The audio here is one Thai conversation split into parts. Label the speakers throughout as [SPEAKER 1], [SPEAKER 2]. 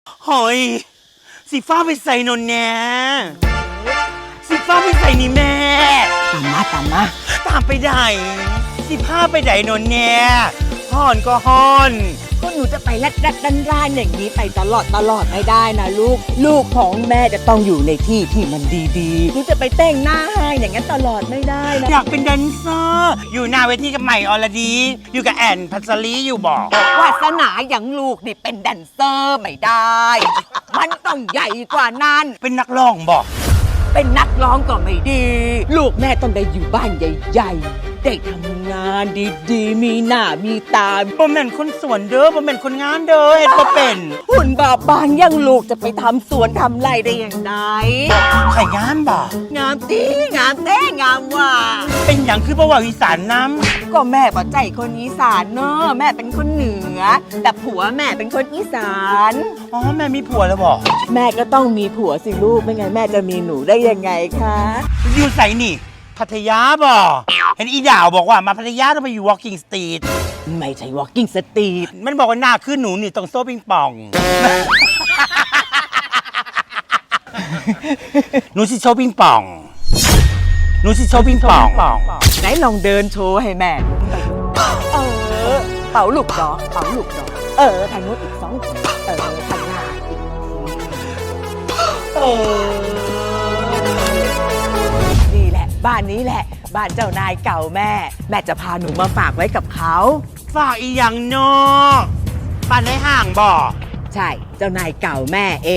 [SPEAKER 1] หอยสีฟ้าไปใส่นนแน่สีฟ้าไปใส่นี่แม่
[SPEAKER 2] ตามมา
[SPEAKER 1] ตามไปได้สีผ้าไปไหนนนแน่ห่อนก็ห่อน
[SPEAKER 2] ก็หนูจะไปรัดด้านอย่างนี้ไปตลอดไม่ได้นะลูกของแม่จะต้องอยู่ในที่ที่มันดีๆหนูจะไปแต่งหน้าให้อย่างนั้นตลอดไม่ได้นะ
[SPEAKER 1] อยากเป็นแดนเซอร์อยู่หน้าเวทีกับใหม่อรดีอยู่กับแอนพัสลีอยู่บอก
[SPEAKER 2] วาสนาอย่างลูกนี่เป็นแดนเซอร์ไม่ได้ มันต้องใหญ่กว่านั้น
[SPEAKER 1] เป็นนักร้องบอก
[SPEAKER 2] เป็นนักร้องก็ไม่ดี ลูกแม่ต้องได้อยู่บ้านใหญ่ๆได้ทำงานดีๆมีหน้ามีตา
[SPEAKER 1] บ่แม่นคนสวนเด้อบ่แม่นคนงานเด้อเฮ็ดบ่เป็น
[SPEAKER 2] หุ่นบางยังลูกจะไปทำสวนทำไรได้อย่างไร
[SPEAKER 1] ไข่งามบ่
[SPEAKER 2] งามตีงามแต้งามว่า
[SPEAKER 1] เป็นอย่างคือบ่ว่าอีสานน้
[SPEAKER 2] ำก็แม่บ่ใจคนอีสานเนอะแม่เป็นคนเหนือแต่ผัวแม่เป็นคนอีสาน
[SPEAKER 1] อ๋อแม่มีผัวแล้วบ่
[SPEAKER 2] แม่ก็ต้องมีผัวสิลูกไม่งั้นแม่จะมีหนูได้ยังไงคะ
[SPEAKER 1] อยู่ไสนี่พัทยาบ่เห็นอีดาวบอกว่ามาพัทยาต้องไปอยู่ Walking Street
[SPEAKER 2] ไม่ใช่ Walking Street
[SPEAKER 1] มันบอกว่าหน้าขึ้นหนูนี่ต้องโซ่ปิงปองหนูสิโซ่ปิงปองหนูสิโซ่ปิงปอง
[SPEAKER 2] ไหนลองเดินโชว์ให้แม่เป่าลูกดอกทางนู้นอีก2ทีทางหน้าอีกนี่แหละบ้านนี้แหละบ้านเจ้านายเก่าแม่จะพาหนูมาฝากไว้กับเขา
[SPEAKER 1] ฝากอีหยังเนาะบ้านในห้างบ่
[SPEAKER 2] ใช่เจ้านายเก่าแม่เอง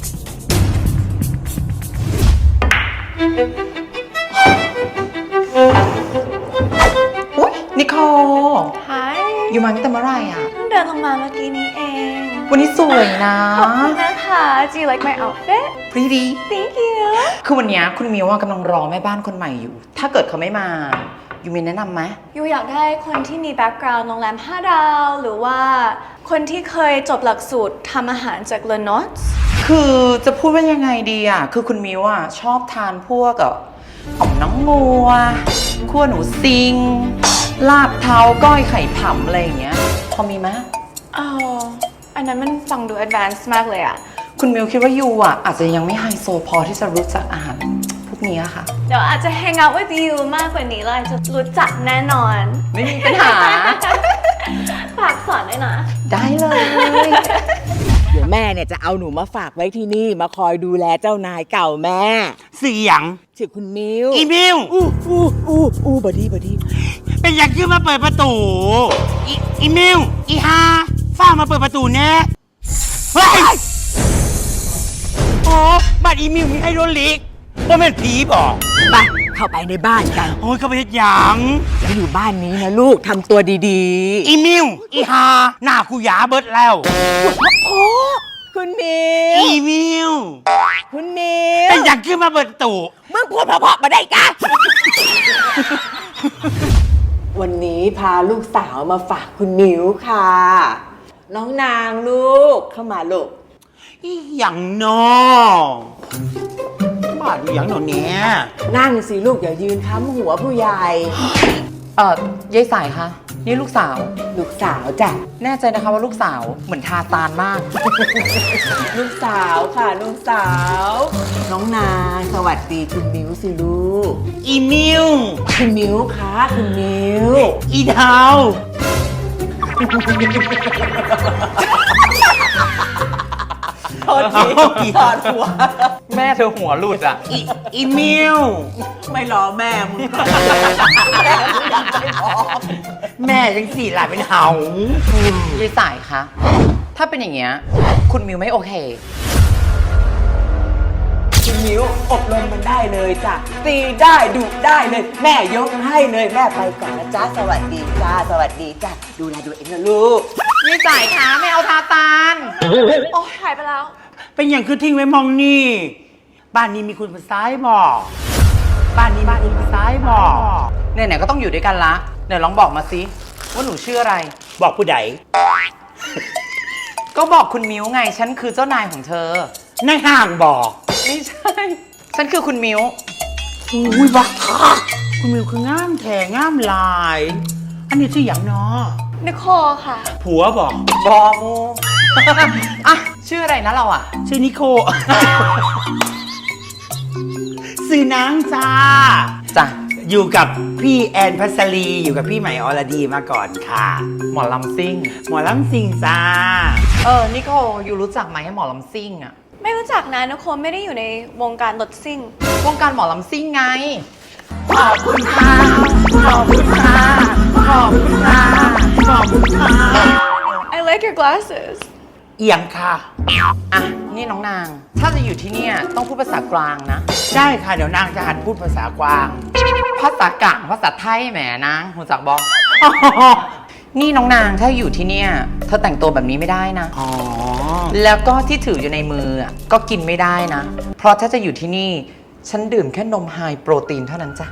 [SPEAKER 3] อุ๊ยนิโค
[SPEAKER 4] ฮาย
[SPEAKER 3] อยู่มาตั้งแต่เมื่อไหร่อ่ะ
[SPEAKER 4] เพิ่งเดินลงมาเมื่อกี้นี้เอง
[SPEAKER 3] วันนี้สวยนะ
[SPEAKER 4] ขอบคุณนะคะ Do you like my outfit
[SPEAKER 3] Pretty
[SPEAKER 4] Thank you
[SPEAKER 3] คือวันนี้คุณมิวกำลังรอแม่บ้านคนใหม่อยู่ถ้าเกิดเขาไม่มายูมีแนะนำไหม
[SPEAKER 4] ยูอยากได้คนที่มีแบ็กกราวด์โรงแรม5 ดาวหรือว่าคนที่เคยจบหลักสูตรทำอาหารจากเลนอต
[SPEAKER 3] คือจะพูดว่ายังไงดีอ่ะคือคุณมิวชอบทานพวกอ่อมน้องงัวคั่วหนูซิงลาบเท้าก้อยไข่ผำอะไรอย่างเงี้ยพอมีไหม
[SPEAKER 4] อันนั้นมันฟังดู advanced มากเลยอ่ะ
[SPEAKER 3] คุณมิวคิดว่ายูอาจจะยังไม่ไฮโซพอที่จะรู้จักอาหารพวกนี้ค่ะ
[SPEAKER 4] เดี๋ยวอาจจะ hang out with you มากกว่านี้เราจะรู้จักแน่นอน
[SPEAKER 3] ไม่มีปัญหา
[SPEAKER 4] ฝากสอนด้วยนะ
[SPEAKER 3] ได้เลย
[SPEAKER 2] เดี๋ยวแม่เนี่ยจะเอาหนูมาฝากไว้ที่นี่มาคอยดูแลเจ้านายเก่าแม่
[SPEAKER 1] เสียง
[SPEAKER 2] ชื่อคุณมิว
[SPEAKER 1] อีมิว
[SPEAKER 2] บดี
[SPEAKER 1] เป็นอย่างที่มาเปิดประตูอีมิวอีฮาฝ้ามาเปิดประตูแน่เฮ้ยโอ้บัดอีมิวมีไฮโดรลิกว่าเป็นผีบอก
[SPEAKER 2] ไปเข้าไปในบ้านกัน
[SPEAKER 1] โอ้ยก็ไปเฮ็ดหยัง
[SPEAKER 2] จะอยู่บ้านนี้นะลูกทำตัวดี
[SPEAKER 1] ๆอีมิวอีฮาหน้ากูหยาเบิดแล้ว
[SPEAKER 2] โอ้คุณมิว
[SPEAKER 1] อีมิว
[SPEAKER 2] คุณมิว
[SPEAKER 1] เป็นอย่างที่มาเปิดประตู
[SPEAKER 2] มึงพูดเพราะๆมาได้กันวันนี้พาลูกสาวมาฝากคุณมิวค่ะน้องนางลูกเข้ามาลูก
[SPEAKER 1] อีหยังนอบ้านอีหยังนอเนี่ย
[SPEAKER 2] นั่งสิลูกอย่ายืนค้ำหัวผู้ใหญ่
[SPEAKER 3] ยายสายคะนี่ลูกสาว
[SPEAKER 2] จ้ะ
[SPEAKER 3] แน่ใจนะคะว่าลูกสาวเหมือนทาตานมาก
[SPEAKER 2] ลูกสาวค่ะลูกสาวน้องนางสวัสดีคุณมิวสิลูก
[SPEAKER 1] อีมิว
[SPEAKER 2] คุณมิวคะคุณมิว
[SPEAKER 1] อีดาว
[SPEAKER 2] โทษทีถอดหัว
[SPEAKER 3] แม่เธอหัวหลุดอ่ะ
[SPEAKER 1] อีมิว
[SPEAKER 2] ไม่รอแม่มึง
[SPEAKER 1] แม่จังสี่หลายเป็นเห่าย
[SPEAKER 3] ายสายคะถ้าเป็นอย่างเงี้ยคุณมิวไม่โอเค
[SPEAKER 2] คุณมิวอบรมมันได้เลยจ้ะตีได้ดุได้เลยแม่ยกให้เลยแม่ไปก่อนนะจ๊ะสวัสดีจ้าดูแลตัวเองนะลูก
[SPEAKER 3] ยายสายคะไม่เอาทาตาน
[SPEAKER 4] โอ้หายไปแล้ว
[SPEAKER 1] เป็นอย่างคือทิ้งไว้มองนี่บ้านนี้มีคุณภาษาบอกบ้านนี้มีคุณภาษาบอก
[SPEAKER 3] ไหนๆก็ต้องอยู่ด้วยกันละเดี๋ยวลองบอกมาสิว่าหนูชื่ออะไร
[SPEAKER 1] บอกผู้ใด
[SPEAKER 3] ก็บอกคุณมิวไงฉันคือเจ้านายของเธอ
[SPEAKER 1] ในห้างบอก
[SPEAKER 3] ไม่ใช่ฉันคือคุณมิว
[SPEAKER 1] อุ้ยบ้าคุณมิวคืองามแท้งามลายอันนี้ชื่ออย่างเนาะ
[SPEAKER 4] นิโคค่ะ
[SPEAKER 1] ผัวบอก
[SPEAKER 3] มูอ่ะชื่ออะไรนะเราอ่ะ
[SPEAKER 1] ชื่อนิโค สื่อนางจ้า
[SPEAKER 3] จ้ะ
[SPEAKER 1] อยู่กับพี่แอนพัสลีอยู่กับพี่ใหม่อรดีมาก่อนค่ะ
[SPEAKER 3] หมอลำซิ่ง
[SPEAKER 1] หมอลำสิงจ้า
[SPEAKER 3] นิโคอยู่รู้จักไหมหมอลำซิ่งอ่ะ
[SPEAKER 4] ไม่รู้จักนะนุโคไม่ได้อยู่ในวงการรถซิ่ง
[SPEAKER 3] วงการหมอลำซิ่งไง ขอบคุณค่ะ ขอบคุณค่ะ ขอบคุณค่ะ ขอบคุณค่ะ
[SPEAKER 4] I like your glasses
[SPEAKER 1] เอียงค่ะ
[SPEAKER 3] อ่ะ นี่น้องนาง ถ้าจะอยู่ที่เนี่ยต้องพูดภาษากลางนะ
[SPEAKER 1] ได้ค่ะเดี๋ยวนางจะหัดพูดภาษากวาง
[SPEAKER 3] ภาษากลางภาษาไทยแหมนางหูจักบอก นี่น้องนางถ้าอยู่ที่เนี่ยเธอแต่งตัวแบบนี้ไม่ได้นะ
[SPEAKER 1] อ๋อ
[SPEAKER 3] แล้วก็ที่ถืออยู่ในมืออะก็กินไม่ได้นะ เพราะถ้าจะอยู่ที่นี่ ฉันดื่มแค่นมไฮโปรตีนเท่านั้นจ้ะ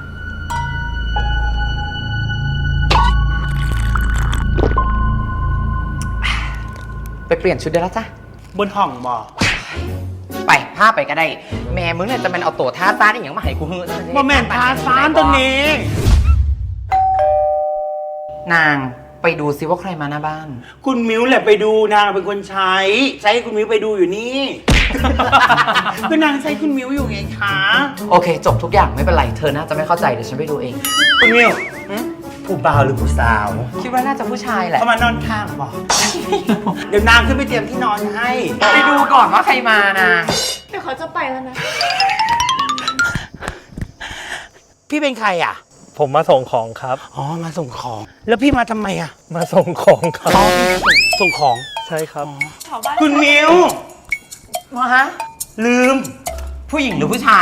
[SPEAKER 3] ไปเปลี่ยนชุดได้แล้วจ้ะ
[SPEAKER 1] บนห้องบอก
[SPEAKER 3] ไปผ้าไปก็ได้ แม่มึงเนี่ยจะเป็นเอาตัวท่าซ่านอีกอย่างมาให้กูเฮ้ย
[SPEAKER 1] โมแมนทาซานตัวนี้
[SPEAKER 3] นางไปดูซิว่าใครมาหน้าบ้าน
[SPEAKER 1] คุณมิวแหละไปดูนางเป็นคนใช้ให้คุณมิวไปดูอยู่นี่ ก็นางใช้คุณมิวอยู่ไงคะ
[SPEAKER 3] โอเค จบทุกอย่างไม่เป็นไร เธอน่าจะไม่เข้าใจเดี๋ยวฉันไปดูเอง
[SPEAKER 1] คุณมิวผู้บ่าวหรือผู้สาว
[SPEAKER 3] คิดว่าน่าจะผู้ชายแหละ
[SPEAKER 1] เขามานอนข้างบอก เดี๋ยวนางขึ้นไปเตรียมที่นอนให้
[SPEAKER 3] ไปดูก่อนว่าใครมานะ
[SPEAKER 4] เดี๋ยวเขาจะไปแล้วนะ
[SPEAKER 1] พี่เป็นใครอ่ะ
[SPEAKER 5] ผมมาส่งของครับ
[SPEAKER 1] อ๋อ มาส่งของ แล้วพี่มาทำไมอ่ะ
[SPEAKER 5] มาส่งของครับ
[SPEAKER 1] อ๋อพี่มาส่งของ
[SPEAKER 5] ใช่ครับ
[SPEAKER 1] คุณมิว
[SPEAKER 3] มาฮะ
[SPEAKER 1] ลืม
[SPEAKER 3] ผู้หญิงหรือผู้ชาย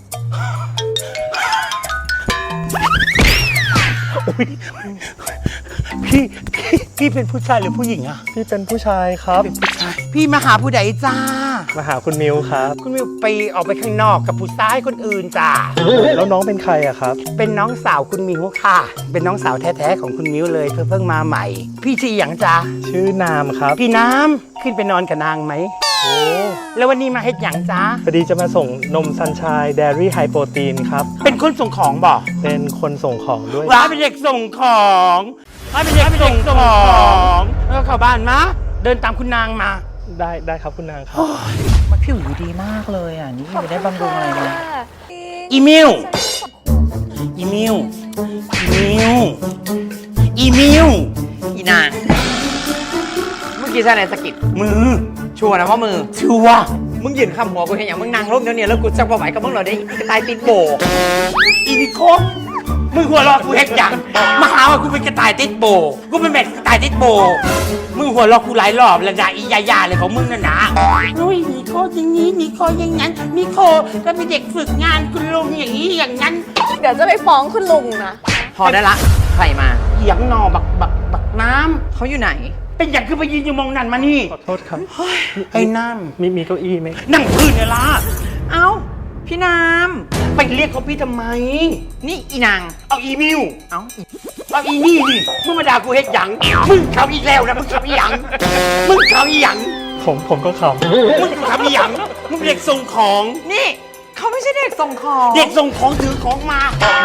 [SPEAKER 1] พี่เป็นผู้ชายหรือผู้หญิงอ่ะ
[SPEAKER 5] พี่เป็นผู้ชายครับ
[SPEAKER 1] เป็นผู้ชาย พี่มาหาผู้ใดจ้า
[SPEAKER 5] มาหาคุณมิวครับ
[SPEAKER 1] คุณมิวไปออกไปข้างนอกกับผู้ชายคนอื่นจ้า
[SPEAKER 5] แล้วน้องเป็นใครอะครับ
[SPEAKER 1] เป็นน้องสาวคุณมิวค่ะ เป็นน้องสาวแท้ๆของคุณมิวเลยเพิ่งมาใหม่ พี่ชื่ออย่างจ้า
[SPEAKER 5] ชื่อนามครับ
[SPEAKER 1] พี่น้ำขึ้นไปนอนกับนางไหม
[SPEAKER 5] โอ้
[SPEAKER 1] แล้ววันนี้มาเฮ็ดอย่างจ้า
[SPEAKER 5] พอดีจะมาส่งนมซันชายเดรี่ไฮโปรตีนครับ
[SPEAKER 1] เป็นคนส่งของบอก
[SPEAKER 5] เป็นคนส่งของด้วย
[SPEAKER 1] ว้าเป็นเด็กส่งของว้าเป็นเด็กส่งของแล้วก็เข้าบ้านมาเดินตามคุณนางมา
[SPEAKER 5] ได้ครับคุณนางครับ
[SPEAKER 3] มันผิวดีมากเลยอ่ะ นี่ไม่ได้บำรุงอะไรเลย
[SPEAKER 1] อีมิวอีมิวอีมิวอีมิว
[SPEAKER 3] อีนาง เมื่อกี้ใช่ไหมสะกิด
[SPEAKER 1] มือ
[SPEAKER 3] ชัวร์นะว่ามือ
[SPEAKER 1] ชัวร์
[SPEAKER 3] มึงยืนข้ามหัวกูเห็นอย่างมึงนางร่มเดี๋ยวนี้แล้วกูจะบ่ไหวกับมึงเหรอได้กระต่ายตีนโบ
[SPEAKER 1] อีนิโคมึงหัวเราะกูเฮ็ดหยังมาหาว่ากูเป็นกระต่ายติดโบกูเป็นแบบกระต่ายติดโบมึงหัวเราะกูหลายรอบแล้วนะอียาเลยของมึงน่ะนะโอ้ยนิโคอย่างนี้นิโคอย่างนั้นนิโคก็เป็นเด็กฝึกงานคุณลุงอย่างนี้อย่างนั้น
[SPEAKER 4] เดี๋ยวจะไปฟ้องคุณลุงนะ
[SPEAKER 3] พอได้ละ ใครมา
[SPEAKER 1] เหียงนอบักน้ำ
[SPEAKER 3] เขาอยู่ไหน
[SPEAKER 1] เป็นอย่างคือไปยืนอยู่มองนั่นมานี่
[SPEAKER 5] ขอโทษครับ
[SPEAKER 1] ไอ้น้
[SPEAKER 5] มีเก้าอี้ไหม
[SPEAKER 1] ำนั่งพื้นเนี่ยล่ะ
[SPEAKER 3] เอ้า พี่น้
[SPEAKER 1] ไปเรียกเขาพี่ทำไม
[SPEAKER 3] ำนี่อีนาง
[SPEAKER 1] เอาอีมิว
[SPEAKER 3] เอ้า
[SPEAKER 1] เอาอีนี่นี่มึงมาด่ากูเฮ็ดหยังมึงเขาอีกแล้วนะมึงเขาอีหยังมึงเขาอีหยัง
[SPEAKER 5] ผมก็ข
[SPEAKER 1] มึงเขาอีหยังมึงเป็นเด็กส่งของ
[SPEAKER 3] นี่เขาไม่ใช่เด็กส่งของ
[SPEAKER 1] เด็กส่งของถือของมาน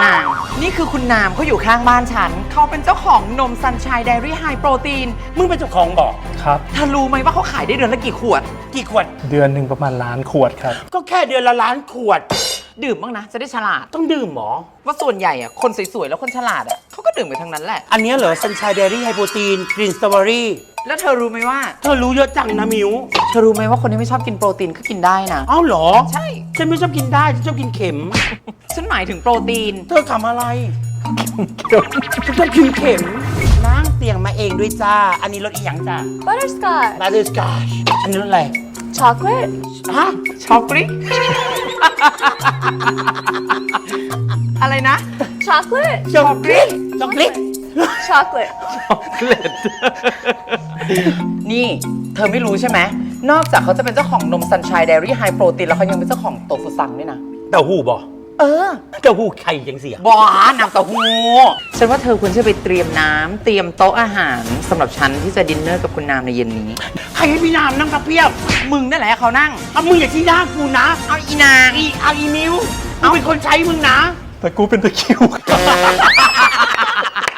[SPEAKER 3] างนี่คือคุณนามเขาอยู่ข้างบ้านฉัน เขาเป็นเจ้าของนมซันชายเดรี่ไฮโปรตีน
[SPEAKER 1] มึงเป็นเจ้าของบอก
[SPEAKER 5] ำครับ
[SPEAKER 3] เธอรู้ไหมว่าเขาขายได้เดือนละกี่ขวด
[SPEAKER 1] กี่ขวด
[SPEAKER 5] เดือนหนึ่งประมาณล้านขวดครับ
[SPEAKER 1] ก็แค่เดือนละล้านขวด
[SPEAKER 3] ดื่มบ้างนะ จะได้ฉลาด
[SPEAKER 1] ต้องดื่มหมอ
[SPEAKER 3] ว่าส่วนใหญ่อะคนสวยๆ แล้วคนฉลาดอะเขาก็ดื่มไปทั้งนั้นแหละ
[SPEAKER 1] อันเนี้ยเหรอซันชายเดรี่ไฮโปรตีนกรีนสตรอเบอรี่
[SPEAKER 3] แล้วเธอรู้ไหมว่า
[SPEAKER 1] เธอรู้เยอะจังนะมิว
[SPEAKER 3] เธอรู้ไหมว่าคนที่ไม่ชอบกินโปรตีนก็กินได้นะ
[SPEAKER 1] เอ้าเหรอ
[SPEAKER 3] ใช่
[SPEAKER 1] ฉันไม่ชอบกินได้ฉันชอบกินเข็ม
[SPEAKER 3] ฉันหมายถึงโปรตีน
[SPEAKER 1] เธอขำอะไรฉันชอบกินเข็มนั่งเตียงมาเองด้วยจ้า อันนี้รสอีหยังจ้า
[SPEAKER 4] butterscotch
[SPEAKER 1] บาร์ดิสกาชอันนี้รสอะไร
[SPEAKER 4] chocolate
[SPEAKER 1] ฮะ
[SPEAKER 3] ช็อกโกแลต อะไรนะ
[SPEAKER 4] chocolate
[SPEAKER 1] ช็อกโกแลตช็อกโกแลต
[SPEAKER 4] chocolate
[SPEAKER 3] นี่ เธอไม่รู้ใช่ไหม นอกจากเขาจะเป็นเจ้าของนมซันชายเดรี่ไฮโปรตีนแล้วเขายังเป็นเจ้าของโตฟุซังด้วยนะ
[SPEAKER 1] เต้าหู้บ่
[SPEAKER 3] เออ
[SPEAKER 1] เต้าหู้ไข่ยังเสีย
[SPEAKER 3] บอน้ำเต้าหู้ฉันว่าเธอควรจะไปเตรียมน้ำเตรียมโต๊ะอาหารสำหรับฉันที่จะดินเนอร์กับคุณนามในเย็นนี้
[SPEAKER 1] ใครให้พี่นามนั่งกับเพียบ
[SPEAKER 3] มึงนั่นแหละเขานั่ง
[SPEAKER 1] เอามึงอย่าชี้หน้ากูนะ
[SPEAKER 3] เอาอีนาง
[SPEAKER 1] เอาอีมิวกูเป็นคนใช้มึงนะ
[SPEAKER 5] แต่กูเป็นตะคริว